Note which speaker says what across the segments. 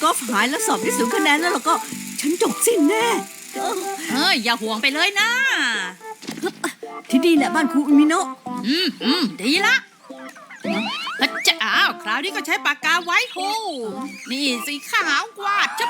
Speaker 1: กอล์ฟหายแล้วสอบได้0 คะแนนแล้วเราก็ฉันจบสิ้นแน่
Speaker 2: อย่าห่วงไปเลยนะ
Speaker 1: ที่นี่แหละบ้านครูมิโนะ
Speaker 2: ดีละจะอ้าวคราวนี้ก็ใช้ปากกาไว้โฮนี่สีขาวกวาดจับ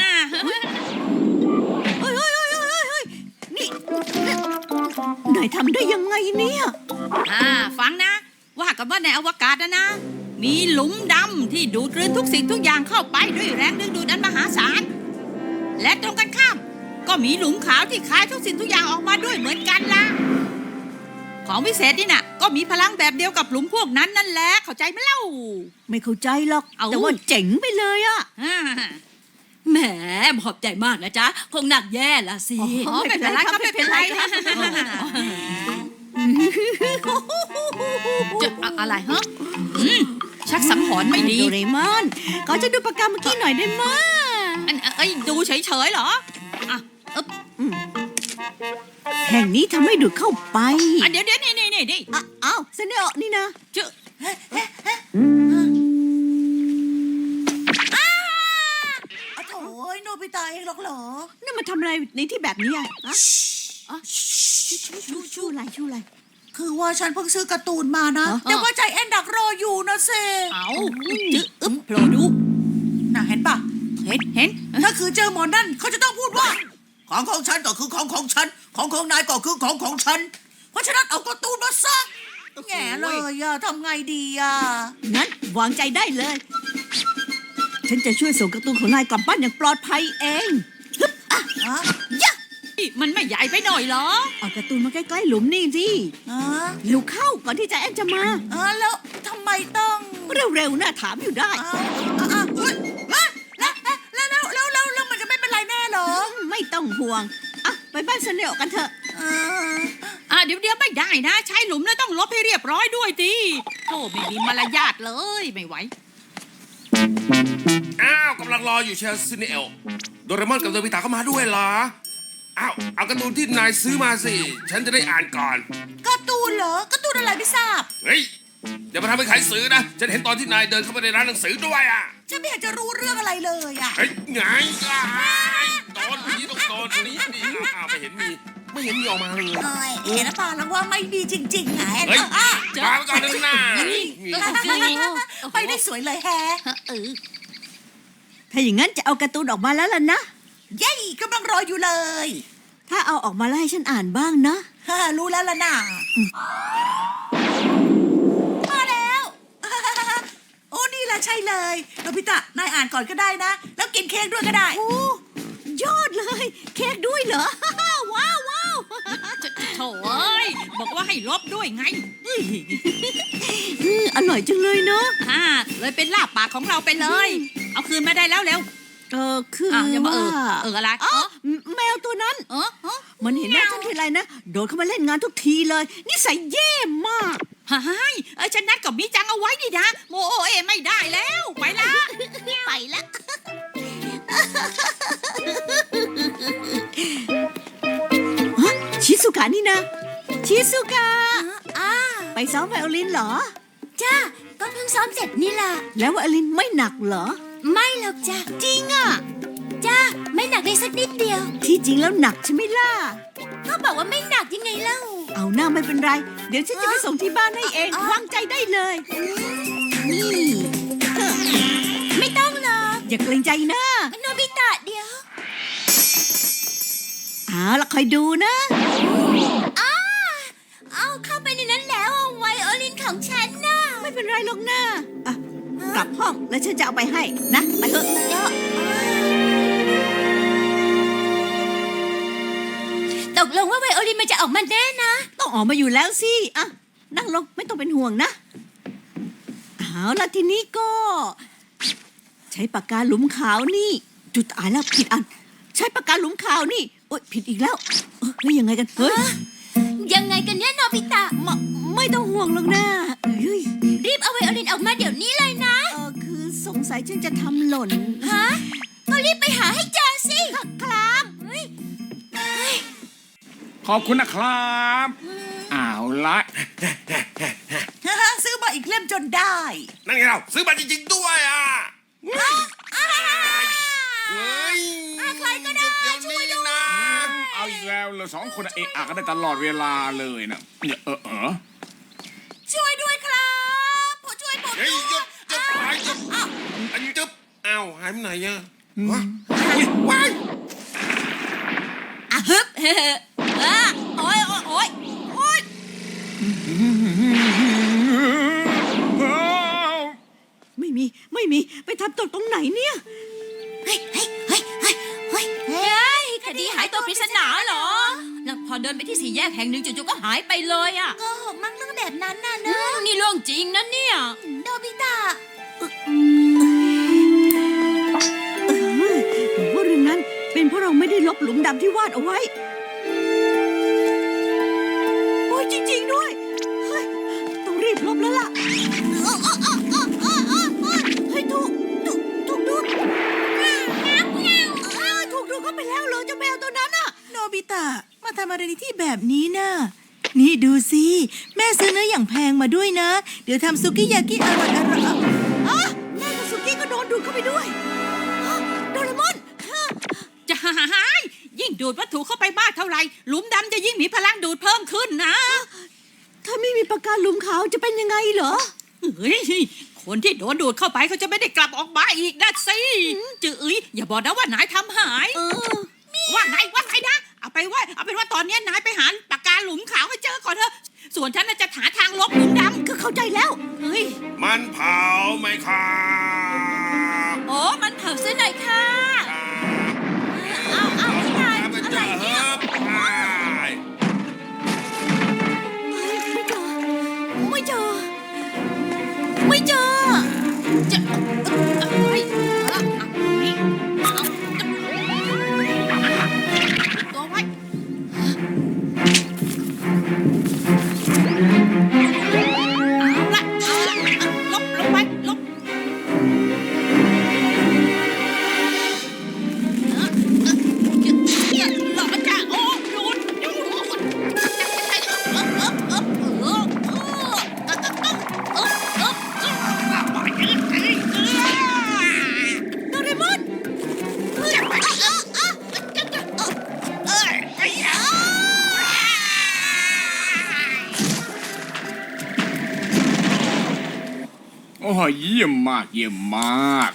Speaker 1: เฮ้ยนี่นายทำได้ยังไงเนี่ย
Speaker 2: ฟังนะ ว่ากันว่าในอวกาศนะมีหลุมดำที่ดูดกลืนทุกสิ่งทุกอย่างเข้าไปด้วยแรงดึงดูดอันมหาศาลและตรงกันข้ามก็มีหลุมขาวที่คายทุกสิ่งทุกอย่างออกมาด้วยเหมือนกันล่ะของวิเศษนี่น่ะก็มีพลังแบบเดียวกับหลุมพวกนั้นนั่นแหละเข้าใจไหมเล่า
Speaker 1: ไม่เข้าใจหรอกแต่ว่าเจ๋งไปเลยอะ
Speaker 3: แหมขอบใจมากนะจ๊ะคงหนักแย่ละสิ
Speaker 2: ไม่เป็นไรครับไม่เป็นไรจะอะไรฮะชักสังหรณ์ไม่ดี
Speaker 1: โดเรมอนก็จะดูปากกาเมื่อกี้หน่อยได้ไหม
Speaker 2: ดูเฉยๆเหรอ
Speaker 1: แห่งนี้ทำให้ดูดเข้าไป
Speaker 2: เดี๋ยวนี่ดิ
Speaker 1: อ้าวเซเนโอนี่นะ
Speaker 4: โถ่โนบิตะเองหรอกเหรอ
Speaker 1: นี่มาทำอะไรในที่แบบนี้อ่ะชูอะไร
Speaker 4: คือว่าฉันเพิ่งซื้อการ์ตูนมานะ แต่ว่าใจแอนดักรออยู่นะเซ
Speaker 2: เอาโผล่ดู
Speaker 4: น่ะเห็นปะ
Speaker 2: เห็น
Speaker 4: ถ้าคือเจอหมอนั่นเขาจะต้องพูดว่า ของฉันก็คือของฉันของนายก็คือของฉัน เพราะฉะนั้นเอาการ์ตูนมาซะแง่เลยอะทำไงดีอะ
Speaker 1: งั้นวางใจได้เลย ฉันจะช่วยส่งการ์ตูนของนายกลับบ้านอย่างปลอดภัยเอง
Speaker 4: ฮะ
Speaker 2: มันไม่ใหญ่ไปหน่อยเหรอ
Speaker 1: เอาการ์ตูนมาใกล้ๆหลุมนี่สิ
Speaker 4: ฮะ
Speaker 1: เร็วเข้าก่อนที่ใจแอนจะมา
Speaker 4: แล้วทำไมต้อง
Speaker 1: เร็วๆนะถามอยู่ได้
Speaker 4: เฮ้ยแล้วมันจะไม่เป็นไรแน่เหรอ
Speaker 1: ไม่ต้องห่วงไปบ้านเซเนโอกันเถอะ
Speaker 2: เดี๋ยวไม่ได้นะใช้หลุมแล้วต้องลบให้เรียบร้อยด้วยดิโธ่ไม่มีมารยาทเลยไม่ไหว
Speaker 5: กำลังรออยู่เชียวซินเอลโดเรมอนกับโนบิตะเข้ามาด้วยเหรอเอาการ์ตูนที่นายซื้อมาสิฉันจะได้อ่านก่อน
Speaker 4: การ์ตูนเหรอการ์ตูนอะไรไม่ทราบ
Speaker 5: เฮ้ยอย่ามาทำให้ใครซื้อนะฉันเห็นตอนที่นายเดินเข้าไปในร้านหนังสือด้วย
Speaker 4: ฉันไม่อยากจะรู้เรื่องอะไรเลยอะ
Speaker 5: เฮ้ยไงโดนนี่ต้องโดนนี่ไม่เห็นมีออกมาเลย
Speaker 4: เห็นหรือเปล่าแล้วว่าไม่ดีจริงๆไง
Speaker 5: เฮ้ยมาไปก่อนนึงนะ
Speaker 4: ไปได้สวยเลยแฮะ
Speaker 1: ถ้าอย่างนั้นจะเอาการ์ตูนออกมาแล้วล่ะนะ
Speaker 4: เย้กำลังรออยู่เลย
Speaker 1: ถ้าเอาออกมาแล้วให้ฉันอ่านบ้างนะ
Speaker 4: รู้แล้วล่ะน่ะมาแล้ว โอ้นี่แหละใช่เลยโนบิตะนายอ่านก่อนก็ได้นะ แล้วกินเค้กด้วยก็ได้
Speaker 1: โอ้ยอดเลย เค้กด้วยเหรอ ว้าว
Speaker 2: โถ่เอ้ยบอกว่าให้ลบด้วยไง
Speaker 1: อร่อยจังเลยเนาะ
Speaker 2: เลยเป็นลาบปากของเราไปเลย เอาคืนมาได้แล้วเร็ว
Speaker 1: คือ
Speaker 2: อย่ามา
Speaker 1: ว่า
Speaker 2: อะไร
Speaker 1: แมวตัวนั้น มันเห็นหน้าฉันทีไรนะโดดเข้ามาเล่นงานทุกทีเลยนิสัยแย่มาก
Speaker 2: ฉันนัดกับมิจังเอาไว้ดินะโมโอเอไม่ได้แล้วไปละ
Speaker 1: ไปละชิสุกะนี่นะชิสุกะไปซ้อมไวโอลินเหรอ
Speaker 3: จ้าก็เพิ่งซ้อมเสร็จนี่ล่ะ
Speaker 1: แล้วไวโอลินไม่หนักเหรอ
Speaker 3: ไม่หรอกจ้า
Speaker 1: จริงอ่ะ
Speaker 3: จ้าไม่หนักเลยสักนิดเดียว
Speaker 1: ที่จริงแล้วหนักใช่ไหมล่ะ
Speaker 3: ก็บอกว่าไม่หนักยังไงเล่า
Speaker 1: เอาหน้าไม่เป็นไร เดี๋ยวฉันจะไปส่งที่บ้านให้เองวางใจได้เลยนี่
Speaker 3: ไม่ต้องหรอก
Speaker 1: อย่าเกรงใจนะ
Speaker 3: โนบิตะเดี๋ยว
Speaker 1: เอาละคอยดูนะ
Speaker 3: เอาเข้าไปในนั้นแล้วไวโอลินของฉันน่ะ
Speaker 1: ไม่เป็นไรหรอกนะกลับห้องแล้วฉันจะเอาไปให้นะไปเถอะ
Speaker 3: ตกลงว่าไวโอลินมันจะออกมาแน่นะ
Speaker 1: ต้องออกมาอยู่แล้วสินั่งลงไม่ต้องเป็นห่วงนะเอาละทีนี้ก็ ใช้ปากกาหลุมขาวนี่จุดตายแล้วผิดอัน ใช้ปากกาหลุมขาวนี่โอ๊ยผิดอีกแล้วแล้วยังไงกันเฮ้ย
Speaker 3: ยังไงกันเนี่ยโนบิตะ
Speaker 1: ไม่ต้องห่วงหรอกนะ
Speaker 3: รีบเอาไวโอลินออกมาเดี๋ยวนี้เลยนะ
Speaker 1: คือสงสัยฉันจะทำหล่น
Speaker 3: ฮะก็รีบไปหาให้เจอสิ
Speaker 1: ครับ
Speaker 6: ขอบคุณนะครับเอาละ
Speaker 4: ซื้อมาอีกเล่มจนได้
Speaker 5: นั่นไงเราซื้อมาจริงๆด้วยเฮ้ยใครก็ได้ช่วยด้วยนะ
Speaker 6: เอาอีกแล้วเราสองคนเอะอะกันได้ตลอดเวลาเลยนะเนี่ย
Speaker 4: ช่วยด้วยครับผมช่วยผม
Speaker 5: เฮ้ย
Speaker 4: ด้วย
Speaker 5: หยุดหายจุ๊บอันจุ๊บอ้าวหายไปไหนอะวะอุ๊ยว้าย
Speaker 3: อ่ะฮึบเฮ้อ่ะโอ้ยโอ้ยโอ้ยโอ้ย
Speaker 1: ไม่มีไปทำตกตรงไหนเนี่ย
Speaker 3: เฮ้ยคดีหายตัวปริศนาเหรอ แล้วพอเดินไปที่สี่แยกแห่งหนึ่งจู่ๆก็หายไปเลยอ่ะ
Speaker 4: โกหกมั้งเรื่องแบบนั้นน่ะ
Speaker 3: อื
Speaker 4: เนอะ
Speaker 3: มนี่เรื่องจริงนะเนี่ย
Speaker 4: โนบิตะ
Speaker 1: หรือว่าเรื่องนั้นเป็นเพราะเราไม่ได้ลบหลุมดำที่วาดเอาไว้ โอ้ยจริงๆด้วยเฮ้ยต้องรีบลบแล้วล่ะเฮ้ยถูกดูถูกดูเข้าไปแล้วเหรอเจ้าแมวตัวนั้นอ่ะ
Speaker 4: โนบิตะมาทำอะไรในที่แบบนี้น่ะนี่ดูสิแม่ซื้อเนื้ออย่างแพงมาด้วยนะ เดี๋ยวทำซุกิยากิอร่อย
Speaker 1: แม่กับสุกี้ก็โดนดูดเข้าไปด้วยโดเรมอน
Speaker 2: จะหายยิ่งดูดวัตถุเข้าไปมากเท่าไหร่หลุมดำจะยิ่งมีพลังดูดเพิ่มขึ้นนะ
Speaker 1: ถ้าไม่มีปากกาหลุมขาวจะเป็นยังไงเหรอ
Speaker 2: เฮ้ยคนที่โดนดูดเข้าไปเขาจะไม่ได้กลับออกมาอีกนะสิจืออย่าบอกนะว่านายทำหายว่าไงนะเอาเป็นว่าตอนนี้นายไปหาปากกาหลุมขาวให้เจอก่อนเถอะส่วนฉันน่ะจะหาทางลบหลุมดำ
Speaker 1: ก็เข้าใจแล้ว
Speaker 2: เฮ้ย
Speaker 5: มันเผาไหมครับ
Speaker 3: โอ้มันเผาเส้นหน่อยค่ะ
Speaker 5: เอาไม่ได้อะไรเนี่ย
Speaker 1: ไม่เจอไม่เจอ
Speaker 2: จะเฮ้ยนี่เอาตัวไว้เอาละลบไปลบหลอกมันจะโอ้ดูด
Speaker 1: โดเรมอน
Speaker 6: โอ้ยเยี่ยมมากเยี่ยมมาก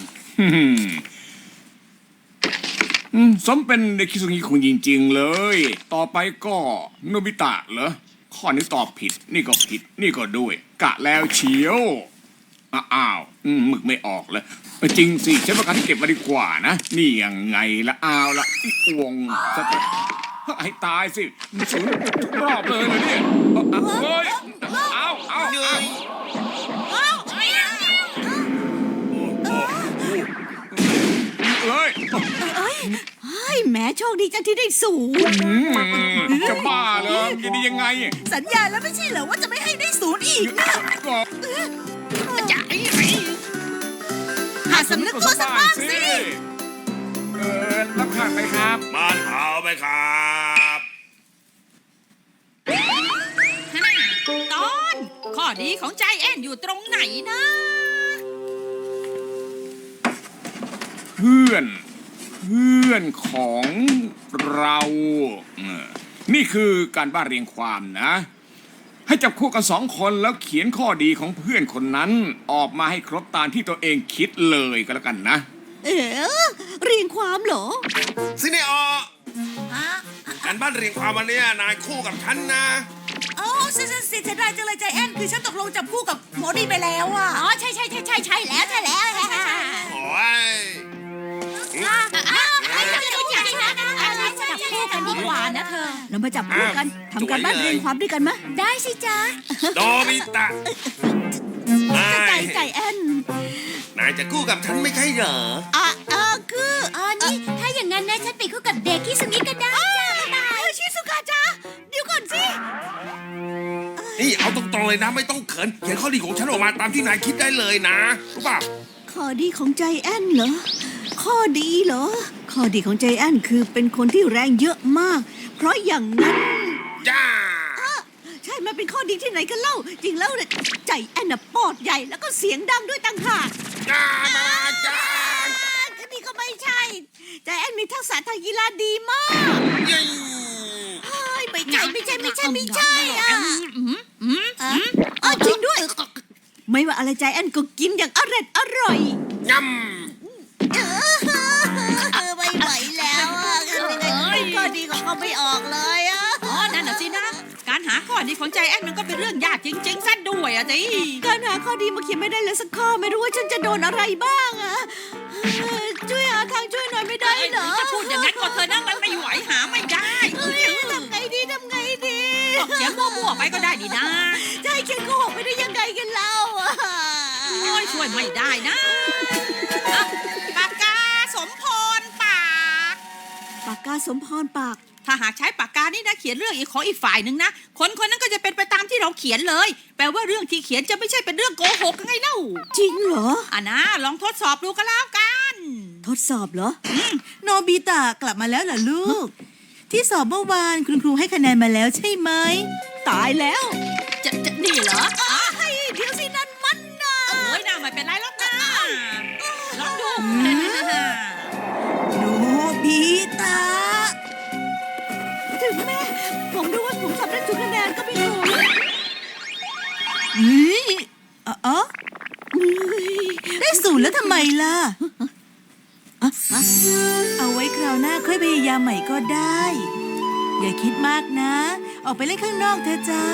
Speaker 6: สมเป็นเด็กคิสุงิคุงจริงๆเลย ต่อไปก็โนบิตะเหรอข้อนี้ตอบผิด นี่ก็ผิด นี่ก็ด้วย กะแล้วเชียวอ้าวหมึกไม่ออกเลยจริงสิใช้ปากกาที่เก็บมาดีกว่านะนี่ยังไงละอ้าวละวงสเต็ปให้ตายสิมันสูญทุกรอบเลยนะเนี่ยเฮ้ยเอา
Speaker 5: เหนื่อย
Speaker 6: เลย
Speaker 1: เฮ้ยแหมโชคดีจังที่ได้สูง
Speaker 6: จะบ้าเลยจะดียังไง
Speaker 4: สัญญาแล้วไม่ใช่เหรอว่าจะไม่ให้ได้ศูนย์อีกนะ
Speaker 6: ก็
Speaker 2: จะไอ้
Speaker 4: หาสำนึกตัวสักบ้างสิ
Speaker 6: รับขาดไหมครับ
Speaker 5: มันเผาไหมครับ
Speaker 2: ตอนข้อดีของใจแอนอยู่ตรงไหนนะ
Speaker 6: เพื่อนของเรานี่คือการบ้านเรียงความนะ ให้จับคู่กันสองคนแล้วเขียนข้อดีของเพื่อนคนนั้นออกมาให้ครบตามที่ตัวเองคิดเลยก็แล้วกันนะ
Speaker 1: เรียงความเหรอ
Speaker 5: ซิเนอการบ้านเรียงความวันนี้นายคู่กับฉันนะ
Speaker 4: โอ้สิเสียดายจังเลยใจแอนคือฉันตกลงจับคู่กับโมดีไปแล้วอ่ะ
Speaker 3: อ๋อใช่แล้ว
Speaker 5: โอ้ย
Speaker 3: จับคู่กันดีกว่านะเธอ
Speaker 1: เรามาจับคู่กันทำการบ้านเรียงความด้วยกันมะ
Speaker 3: ได้สิจ๊ะ
Speaker 5: โดบิตะนาย
Speaker 1: ใจแอน
Speaker 5: นายจะคู่กับฉันไม่ใช่เหรอ
Speaker 1: คือ
Speaker 3: อ๋อนี่ถ้าอย่างนั้นนะฉันไปคู่กับเด็กที่สุงิก็ได้จ้าบ๊ายบาย
Speaker 1: ชิสุกะจ้าเดี๋ยวก่อนสิ
Speaker 5: นี่เอาตรงๆเลยนะไม่ต้องเขินเขียนข้อดีของฉันออกมาตามที่นายคิดได้เลยนะรู้ป่ะ
Speaker 1: ข้อดีของใจแอนเหรอ ข้อดีเหรอ ข้อดีของใจแอนคือเป็นคนที่แรงเยอะมาก เพราะอย่างนั้น
Speaker 5: จ้า
Speaker 1: ใช่มันเป็นข้อดีที่ไหนกันเล่า จริงแล้วเนี่ยใจแอนน่ะปอดใหญ่แล้วก็เสียงดังด้วยต่างหาก
Speaker 5: จ้ามาจ้า
Speaker 1: นี่ก็ไม่ใช่ใจแอนมีทักษะทางกีฬาดีมาก
Speaker 5: เย้
Speaker 1: เฮ้ยไม่ใช่อ่ะ จริงด้วย ไม่ว่าอะไรใจแอนก็กินอย่างอร่อย
Speaker 5: ย
Speaker 1: ไม่ไหวแล้วอ่ะก็ดีของเขาไม่ออกเลยอ่ะ
Speaker 2: อ๋อ นั่นน่ะสินะ การหาข้อดีของใจแอนมันก็เป็นเรื่องยากจริงๆซะด้วยอะสิ
Speaker 1: การหาข้อดีมาเขียนไม่ได้เลยสักข้อไม่รู้ว่าฉันจะโดนอะไรบ้างอ่ะช่วยหาทางช่วยหน่อยไม่ได้เหรอ
Speaker 2: จะพูดอย่างนั้นก็เธอนะมันไม่ไหวหาไม่ได้
Speaker 1: ทำไงดี
Speaker 2: ก็เขียนมั่วๆไปก็ได้ดีนะ
Speaker 1: จะให้เขียนโกหกไปได้ยังไงกันเล่าอ่ะ
Speaker 2: โอ้ยช่วยไม่ได้นะอ่ะปากกาสมพรปาก
Speaker 1: ปากกาสมพรปาก
Speaker 2: ถ้าหากใช้ปากกานี่นะเขียนเรื่องอีกของอีกฝ่ายหนึ่งนะคนคนนั้นก็จะเป็นไปตามที่เราเขียนเลย แปลว่าเรื่องที่เขียนจะไม่ใช่เป็นเรื่องโกหกไงเล่า
Speaker 1: จริงเหรอ
Speaker 2: อ่ะนะลองทดสอบดูก็แล้วกัน
Speaker 1: ทดสอบเหรอ
Speaker 3: โนบิตะกลับมาแล้วเหรอลูก ที่สอบเมื่อวานคุณครูให้คะแนนมาแล้วใช่ไหม
Speaker 1: ตายแล้ว
Speaker 2: จะนี่เหรอ
Speaker 1: เดี๋ยวสินั่นมันนะ
Speaker 2: โอ้ยน่าไม่เป็นไรหรอกนะลองดู
Speaker 3: โนบิตะ
Speaker 1: ถึงแม้ผมรู้ว่าผมทำได้ทุกคะแนนก็ไม่รู้
Speaker 3: เฮ้ยอ๋อได้ศูนย์แล้วทำไมล่ะ เอาไว้คราวหน้าค่อยพยายามใหม่ก็ได้ อย่าคิดมากนะ ออกไปเล่นข้างนอกเถอะจ้า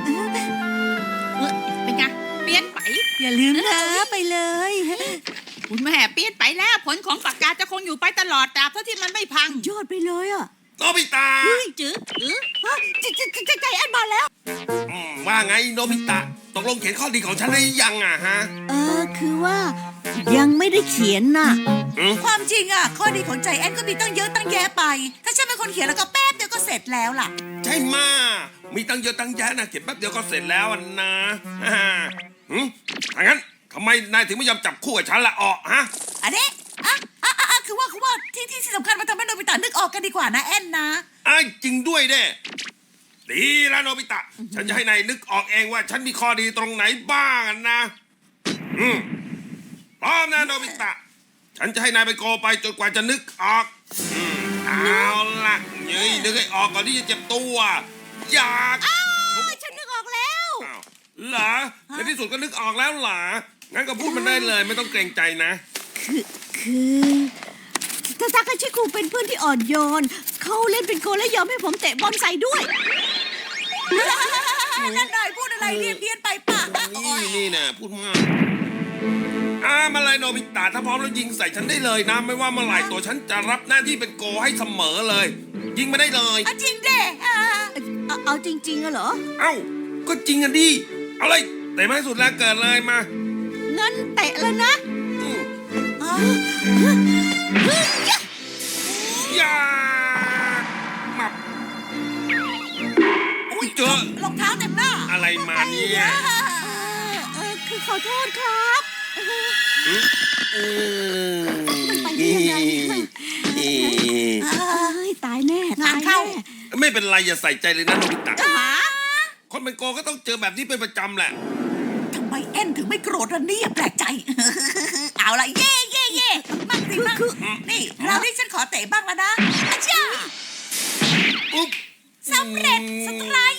Speaker 2: เป็นไงเปลี่ยนไป
Speaker 3: อย่าลืมนะไปเลย
Speaker 2: คุณแม่เปลี่ยนไปแล้วผลของปากกาจะคงอยู่ไปตลอดตราบเท่าที่มันไม่พัง
Speaker 1: ยอดไปเลยอ่ะ
Speaker 5: ำโนบิตะ
Speaker 2: จื้อ
Speaker 1: ใจแอนมาแล้ว
Speaker 5: ว่าไงโนบิตะตกลงเขียนข้อดีของฉันได้ยังอ่ะฮะ
Speaker 1: คือว่ายังไม่ได้เขียนน่ะ
Speaker 3: ความจริงอ่ะ ข้อดีของใจแอนก็มีตั้งเยอะตั้งแยะไป ถ้าฉันเป็นคนเขียนแล้วก็แป๊บเดียวก็เสร็จแล้วล่ะ
Speaker 5: ใช่มามีตั้งเยอะตั้งแยะนะเขียนแป๊บเดียวก็เสร็จแล้วอะนะถ้างั้นทำไมนายถึงไม่ยอมจับคู่กับฉันละออกฮะ
Speaker 3: อันนี้คือว่าที่สำคัญมาทำให้โนบิตะนึกออกกันดีกว่านะแอนนะ
Speaker 5: จริงด้วยเด้ดีแล้วโนบิตะ ฉันจะให้นายนึกออกเองว่าฉันมีข้อดีตรงไหนบ้างนะพร้อมนะโนบิตะ ฉันจะให้นายไปโกไปจนกว่าจะนึกออกเอาละนึกให้ออกก่อนที่จะเจ็บตัวอยาก
Speaker 1: ฉันนึกออกแล้ว
Speaker 5: อ้าวเหรอในที่สุดก็นึกออกแล้วเหรองั้นก็พูดมันได้เลยไม่ต้องเกรงใจนะ
Speaker 1: คือทาทาคาชิคุเป็นเพื่อนที่อ่อนโยน เขาเล่นเป็นโกลและยอมให้ผมเตะบอลใส่ด้วย
Speaker 3: นั่นนายพูดอะไรเรียนไปป่ะ
Speaker 5: นี่นะพูดมากมาเลยโนบิตะถ้าพร้อมแล้วยิงใส่ฉันได้เลยนะ ไม่ว่าเมื่อไหร่ตัวฉันจะรับหน้าที่เป็นโกให้เสมอเลย ยิงมาได้เลย
Speaker 3: จริงเด้
Speaker 1: เอาจริงๆอะเหรอ
Speaker 5: เอ้าก็จริงอ่ะดิเอาเลยเตะมาให้สุดแล้วเกิดเลยมา
Speaker 1: งั้นเตะแล้วนะ
Speaker 5: อย่ามับอุ้ยเจอ
Speaker 3: รองเท้าเต็มหน้า
Speaker 5: อะไรมาเนี่ย
Speaker 1: คือขอโทษครับ มันไปได้ยังไงตายแน่
Speaker 3: งานเข้า
Speaker 5: ไม่เป็นไรอย่าใส่ใจเลยนะโนบิตะคนเป็นโกก็ต้องเจอแบบนี้เป็นประจำแหละ
Speaker 3: ทำไมแอนถึงไม่โกรธล่ะเนี่ยแปลกใจ เอาละเย่มั่งสิมั่งนี่เราที่ฉันขอเตะบ้างแล้วนะอาจ้า
Speaker 5: อุ๊บ
Speaker 3: สำเร็จสไตรค์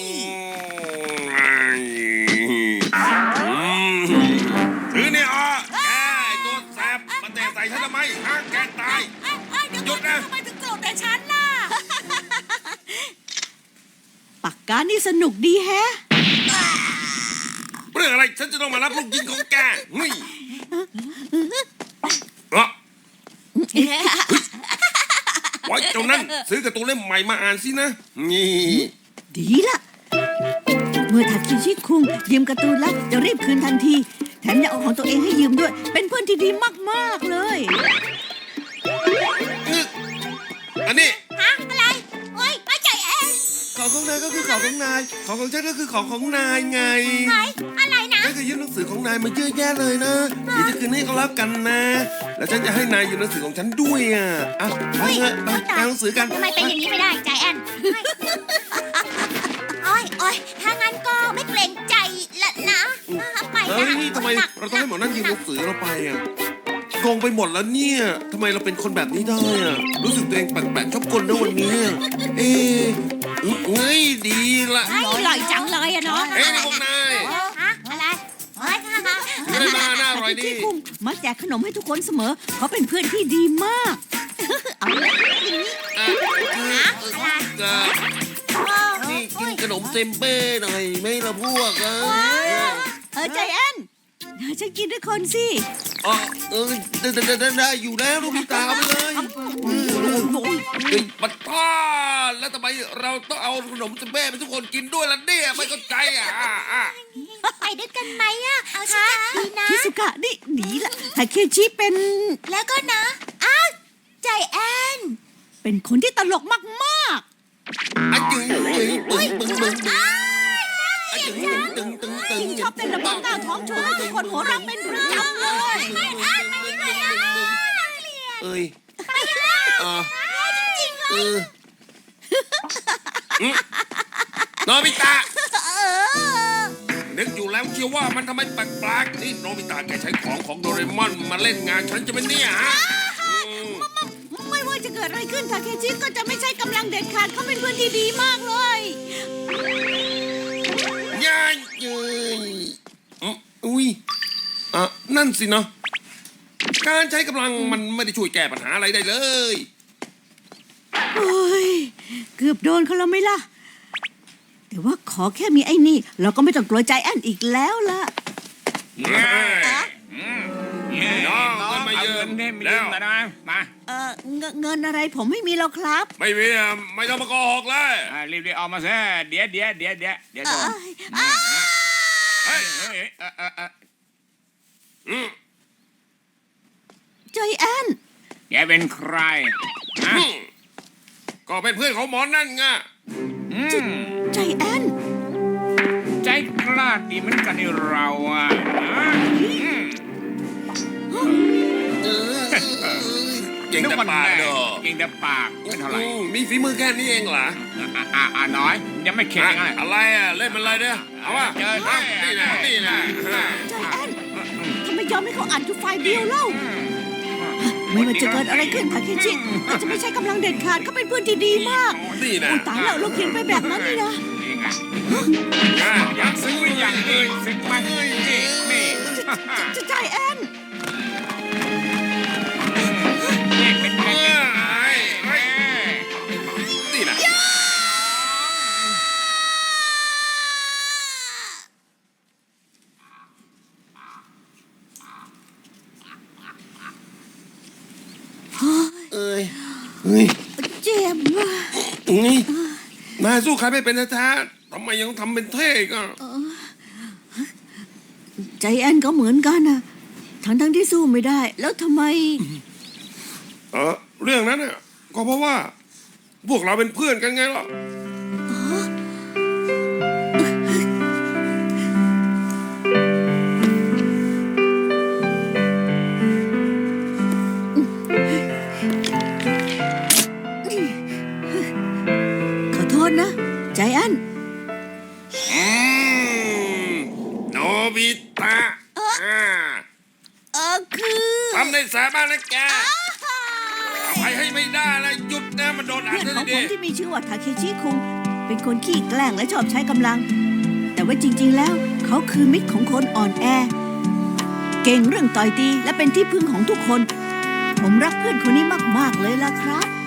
Speaker 5: ถือเนี่ยอ่ะแกไอ้ตัวแสบมาเตะใส่ฉันทำไมฮะแกตาย หยุดนะ
Speaker 3: ทำไมถึงโกรธแต่ฉันล่ะ
Speaker 1: ปากกานี่สนุกดีแฮะ
Speaker 5: เรื่องอะไรฉันจะต้องมารับลูกยิงของแกนี่ไว้เจ้านั้นซื้อการ์ตูนเล่มใหม่มาอ่านสินะนี่
Speaker 1: ดีละเมื่อทาคิชิคุงยืมการ์ตูนแล้วจะรีบคืนทันที แถมยังเอาของตัวเองให้ยืมด้วย เป็นเพื่อนที่ดีมากๆเลย
Speaker 5: อันนี้
Speaker 3: ฮะอะไรโอ้ยไม่ใจแอน
Speaker 5: ของของนายก็คือของของนายของของฉันก็คือของของนายไง
Speaker 3: อะไรนะ
Speaker 5: ฉันเคยยืมหนังสือของนายมาเยอะแยะเลยนะเดี๋ยวจะคืนให้ก็แล้วกันนะ แล้วฉันจะให้นายยืมหนังสือของฉันด้วยอ่ะเอาเถอะไปอ่านหนังสือกัน
Speaker 3: ทำไมเป็นอย่างนี้ไม่ได้ใจแอนโอ้ยถ้างั้นก็ไม่เกรงใจละนะไป
Speaker 5: เฮ้
Speaker 3: นะ
Speaker 5: ยนี่ทำไมเราต้องให้หมอนั่นยืมหนังสือเราไปอ่ะงงไปหมดแล้วเนี่ยทำไมเราเป็นคนแบบนี้ได้อะรู้สึกตัวเองแปลกๆชอบกลนะวันนี้เอ๊ะเฮ้ยดีละ
Speaker 2: อร่อยจังเลยอะเนาะ
Speaker 5: เอ้ยนี่พวกนาย
Speaker 2: อะไร
Speaker 5: ไม่ได้มาหน้าอร่อย
Speaker 1: ทา
Speaker 5: ดี
Speaker 1: เคชิคุงมักแจกขนมให้ทุกคนเสมอ เขาเป็นเพื่อนที่ดีมาก เอาละ
Speaker 5: นี่กินขนมเซมเบ้หน่อยไหม่ละพวก
Speaker 1: ใจแอนฉันกินด้วยคนสิ
Speaker 5: ได้อยู่แล้วลูกพี่ตาเอาไปเลยเฮ้ยปัดท่าแล้วทำไมเราต้องเอาขนมเซมเบ้ไปทุกคนกินด้วยล่ะเนี่ยไม่เข้าใจอ่ะ
Speaker 2: ไปด้วยกันไหมอะเอาสิดีนะ
Speaker 1: ชิสุกะนี่หนีละทาเคชิเป็น
Speaker 2: แล้วก็นะอ้าวใจแอน
Speaker 1: เป็นคนที่ตลกมาก
Speaker 5: อ่ะจึงบึงอ่ะจึง
Speaker 1: ๆชอบเต้นระบำหน้าท้องโชว์ให้ทุกคนหัวเราะเป็นประจำเลย
Speaker 5: เอ้ยโนบิตะนึกอยู่แล้วเชียวว่ามันทำไมแปลกๆนี่โนบิตะแกใช้ของโดเรมอนมาเล่นงานฉันจะเป็นเนี่ยฮะ
Speaker 1: ไม่ว่าจะเกิดอะไรขึ้นทาเคชิก็จะไม่ใช่กำลังเด็ดขาดเขาเป็นเพื่อนที่ดีมากเลย
Speaker 5: ย่าเย้ยอุ้ยนั่นสิเนาะการใช้กำลังมันไม่ได้ช่วยแก้ปัญหาอะไรได้เลย
Speaker 1: โอ้ยเกือบโดนเขาแล้วไหมล่ะ แต่ว่าขอแค่มีไอ้นี่ เราก็ไม่ต้องกลัวใจแอนอีกแล้วล่ะ
Speaker 5: น้องก็มายืม
Speaker 6: แล้วนะมา
Speaker 1: เงินอะไรผมไม่มีแล้วครับ
Speaker 5: ไม่มีไม่ต้องมาโกหกเลย
Speaker 6: รีบๆเอามาซะเดี๋ยวโดนเฮ้ย
Speaker 1: ใจแอน
Speaker 6: แกเป็นใครฮะ
Speaker 5: ก็เป็นเพื่อนของหมอนั่นไง
Speaker 1: ใจแอน
Speaker 6: ใจกล้าดีเหมือนกันนี่เราอ่ะ
Speaker 5: เก่งแต่ปากเด้อ
Speaker 6: เก่งแต่ปากไม่เท่าไหร่
Speaker 5: มีฝีมือแค่นี้เองเหรอ
Speaker 6: น้อยยังไม่เข็ดยังไง
Speaker 5: อะไรเล่นมันอะไรเนี่ยเอาวะนี่นะ
Speaker 1: ใจแอนทำไมยอมให้เขาอัดอยู่ฝ่ายเดียวเล่า ไม่ว่าจะเกิดอะไรขึ้นทาเคชิอาจจะไม่ใช่กำลังเด็ดขาดเขาเป็นเพื่อนที่ดีมาก
Speaker 5: นี่นะ
Speaker 1: อุยตายแล้วเราเขียนไปแบบนั้นนี่นะ
Speaker 6: อยากซื้ออย่างนี้ซื้อมานี่
Speaker 1: ใจแอน
Speaker 6: เป็นไง
Speaker 5: นี่นะเอ้ย
Speaker 1: เจ็บว่ะ
Speaker 5: นี่นายสู้ใครไม่เป็นแท้ๆทำไมยังทำเป็นเท่ก็
Speaker 1: ใจแอนก็เหมือนกันนะทั้งที่สู้ไม่ได้ แล้วทำไม
Speaker 5: เรื่องนั้นน่ะก็เพราะว่า พวกเราเป็นเพื่อนกันไงล่ะ
Speaker 1: ขอโทษนะใจแอน
Speaker 5: โนบิตะ
Speaker 1: คือ
Speaker 5: ทำในสาบ้านนะแกอภัยให้ไม่ได้เลยหยุดนะมันโดนอัด
Speaker 1: เพื่อน
Speaker 5: เล
Speaker 1: ของ
Speaker 5: ย
Speaker 1: ผ
Speaker 5: ดิ
Speaker 1: มที่มีชื่อว่าทาเคชิคุงเป็นคนขี้แกล้งและชอบใช้กำลัง แต่ว่าจริงๆแล้วเขาคือมิตรของคนอ่อนแอ เก่งเรื่องต่อยตีและเป็นที่พึ่งของทุกคน ผมรักเพื่อนคนนี้มากๆเลยล่ะครับ